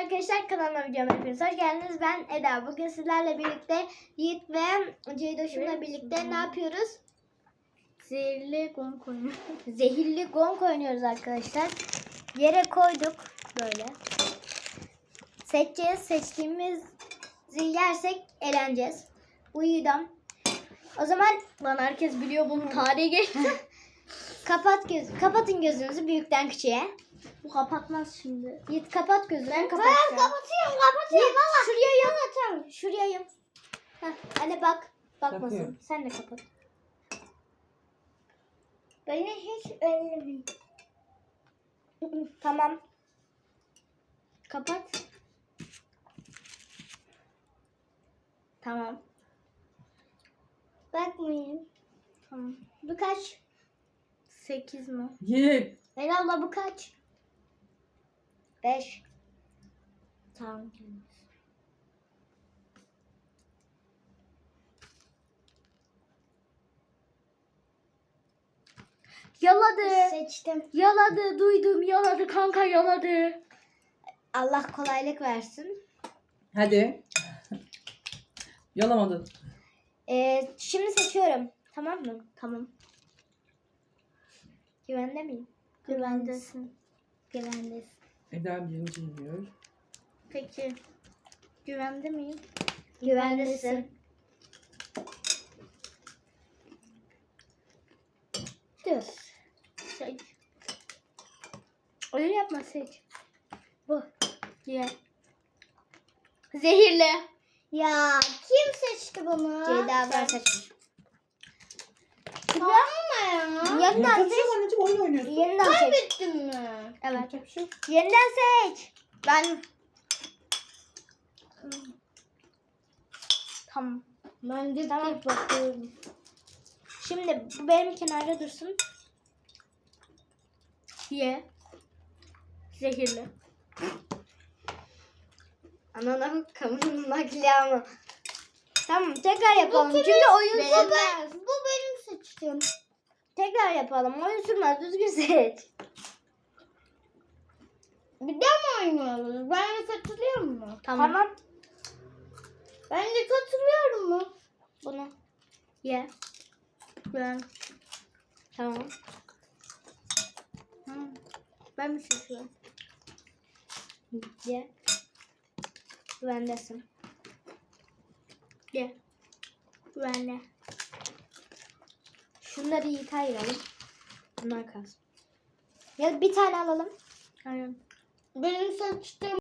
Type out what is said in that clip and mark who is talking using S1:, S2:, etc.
S1: arkadaşlar, kanalıma videoma hepiniz hoş geldiniz. Ben Eda. Bugün sizlerle birlikte Yiğit ve Ceydoş'umla birlikte ne yapıyoruz?
S2: Zehirli gong oynuyoruz.
S1: Zehirli gong oynuyoruz arkadaşlar. Yere koyduk böyle. Seçeceğiz. Seçtiğimizi yersek eğleneceğiz. Uyudum. O zaman
S2: Lan herkes biliyor bunun tarihi geçti.
S1: kapatın gözünüzü büyükten küçüğe.
S2: Bu kapatmaz şimdi.
S1: Yiğit kapat gözünü.
S2: Ben kapatıyorum.
S1: Yiğit, şuraya yum. Şuraya yum. Heh, anne bak. Bakmasın.
S3: Bakıyorum.
S1: Sen de kapat.
S2: Beni hiç ellemeyin.
S1: Tamam. Kapat. Tamam.
S2: Bakmayın.
S1: Tamam. Bu kaç?
S2: 8 mi?
S3: Yiğit.
S1: Ela abla bu kaç? 5.
S2: Tamam.
S1: Yaladı.
S2: Seçtim.
S1: Yaladı. Duydum. Yaladı kanka, yaladı. Allah kolaylık versin.
S3: Hadi. Yalamadın.
S1: Şimdi seçiyorum. Tamam mı? Tamam. Güvende miyim?
S2: Güvendesin.
S1: Güvendesin.
S3: Eda birinci yiyor.
S2: Peki. Güvende miyim?
S1: Güvendesin.
S2: Dur. Seç. Öyle yapma, seç.
S1: Bu.
S2: Ye. Zehirli.
S1: Ya
S2: Kim seçti bunu?
S1: Ceyda abla seçmiş.
S2: Tamam ya.
S1: Yeniden
S3: Yapacak
S1: seç.
S3: anneciğim, oyun oynuyorsun.
S1: Yeniden seç.
S2: Kaybettin mi?
S1: Evet.
S3: Yapacak bir şey yok.
S1: Yeniden seç. Ben. Tamam.
S2: Ben de
S1: Tamam.
S2: tek bakıyorum.
S1: Şimdi bu benim kenarda dursun.
S2: Ye. Zehirli.
S1: Ananın kamunun makyajı. Tamam, tekrar yapalım. Çünkü oyun sürmez.
S2: Bu benim seçtiğim.
S1: Tekrar yapalım. Oyun sürmez. Düzgün seç.
S2: Bir de mi oynuyoruz? Ben de katılıyorum mu?
S1: Tamam.
S2: Ben de katılıyorum mu?
S1: Bunu.
S2: Ye. Ben.
S1: Tamam.
S2: Ben mi seçiyorum?
S1: Ye. Güvendesin.
S2: Ye. Ben de.
S1: Şunları iyi ayıralım. Bunlar kalsın. Ya bir tane alalım.
S2: Aynen. Benim seçtiğim